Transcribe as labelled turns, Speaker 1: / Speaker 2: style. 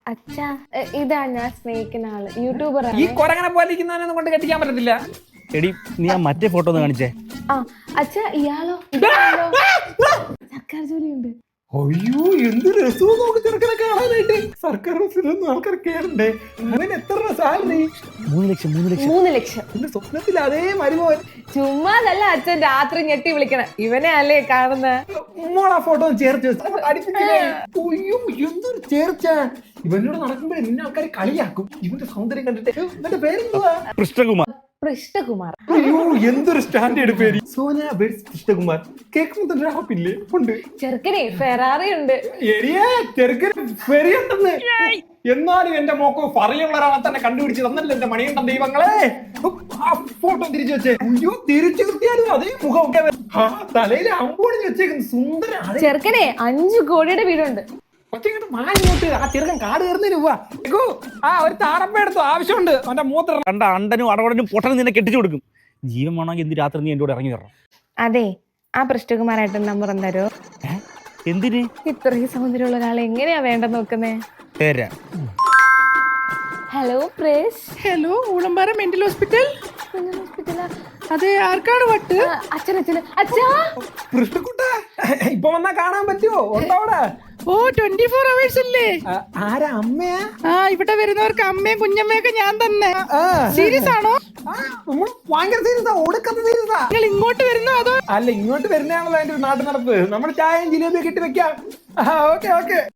Speaker 1: അച്ഛാ ഇതാ ഞാൻ സ്നേഹിക്കുന്ന ആള് യൂട്യൂബർ
Speaker 2: ഈ കൊരങ്ങനെ പോലിരിക്കുന്നവനൊന്നും കൊണ്ട് കെട്ടിക്കാൻ പറ്റത്തില്ല.
Speaker 3: എടി നീ ആ മറ്റേ ഫോട്ടോ ഒന്ന് കാണിച്ചേ.
Speaker 1: ആ അച്ഛാ ഇയാളോ സർക്കാർ ജോലിയുണ്ട്.
Speaker 2: അയ്യോ എന്ത് രസവും നോക്ക് ചെറുക്കനെ കാണാനായിട്ട്. സർക്കാർ ബസ്സിലൊന്നും ആൾക്കാർ കേറണ്ടേ? അവന് എത്ര സാലറി?
Speaker 3: 3 ലക്ഷം 3 ലക്ഷം
Speaker 1: 3 ലക്ഷം.
Speaker 2: എന്റെ സ്വപ്നത്തിൽ അതേ മരുമോൻ.
Speaker 1: ചുമ്മാതല്ല അച്ഛൻ രാത്രി ഞെട്ടി വിളിക്കണം, ഇവനെ അല്ലേ കാണുന്ന.
Speaker 2: മോളാ ഫോട്ടോ ചേർത്ത് വെച്ചു. അയ്യോ എന്തൊരു ചേർച്ച. ഇവനോട് നടക്കുമ്പോഴേ നിന്നെ ആൾക്കാർ കളിയാക്കും. ഇവന്റെ സൗന്ദര്യം കണ്ടിട്ട്. ഇവന്റെ പേരെന്തുവാ?
Speaker 3: കൃഷ്ണകുമാർ.
Speaker 1: കൃഷ്ണകുമാർ.
Speaker 2: അയ്യോ എന്തൊരു സ്റ്റാൻഡേർഡ് പേര്. സോന ബേഡ്സ് കൃഷ്ണകുമാർ. കേൾക്കുമ്പോ റാപ്പില്ലേ ഉണ്ട്.
Speaker 1: ചെറുക്കനെ ഫെറാറി ഉണ്ട്.
Speaker 2: എരിയാ ചെറുക്കൻ ഫെറിയുണ്ടെന്ന്. എന്നാലും എന്റെ മോക്കോ ഫറിയുള്ള ഒരാളെ തന്നെ കണ്ടുപിടിച്ച് തന്നല്ലോ എന്റെ മണിയുണ്ട ദൈവങ്ങളെ. ആ ഫോട്ടോ തിരിച്ചു വെച്ചേ. അയ്യോ തിരിച്ചു കിട്ടിയാലും അതേ മുഖമൊക്കെ തലയിൽ അമ്പോണിഞ്ഞ് വെച്ചേക്കുന്നു. സുന്ദര
Speaker 1: ചെറുക്കനെ 5 കോടിയുടെ വീടുണ്ട്.
Speaker 2: ഒറ്റങ്ങോട്ട് മാഞ്ഞോട്ട് ആ ചെറുക്കൻ കാട് കയറുന്നതിന് പോവാ. ആ ഒരു താറപ്പ എടുത്തോ, ആവശ്യമുണ്ട്. അവന്റെ മൂത്ര
Speaker 3: കണ്ട അണ്ടനും അടവടനും പൊട്ടനും നിന്നെ കെട്ടിച്ചു കൊടുക്കും. ജീവൻ വേണമെങ്കിൽ എന്ത് രാത്രി നീ എന്റെ കൂടെ ഇറങ്ങി തരണം.
Speaker 1: അതെ ആ കൃഷ്ണകുമാരായിട്ട് നമ്പർ തരോ?
Speaker 3: എന്തിന്?
Speaker 1: ഇത്രയും സൗന്ദര്യമുള്ള ഒരാളെ എങ്ങനെയാ വേണ്ടെന്ന് നോക്കുന്നേ? ഹലോ പ്രേസ്.
Speaker 4: Hello Oolampara mental hospital.
Speaker 1: ഹോസ്പിറ്റലാ?
Speaker 4: അതെ ആർക്കാണ് വട്ട്?
Speaker 1: അച്ഛനച്ഛന്. അച്ഛാ
Speaker 2: കൃഷ്ണക്കുട്ട ഇപ്പൊ വന്നാ കാണാൻ പറ്റുമോ? ഉണ്ടോ അവിടെ?
Speaker 4: ഓ 24 hours അല്ലേ?
Speaker 2: ആരാ അമ്മയാ?
Speaker 4: ആ ഇവിടെ വരുന്നവർക്ക് അമ്മയും കുഞ്ഞമ്മയൊക്കെ ഞാൻ തന്നെ. സീരിയസ് ആണോ?
Speaker 2: ഭയങ്കര സീരിയസാ, ഒടുക്കത്തെ സീരിയസാ.
Speaker 4: നിങ്ങൾ ഇങ്ങോട്ട് വരുന്നോ അതോ?
Speaker 2: അല്ല ഇങ്ങോട്ട് വരുന്നതാണല്ലോ അതിന്റെ നാട്ടു നടപ്പ്. നമ്മൾ ചായയും ജിലേബിയും കിട്ടി വെക്കാം. Okay okay.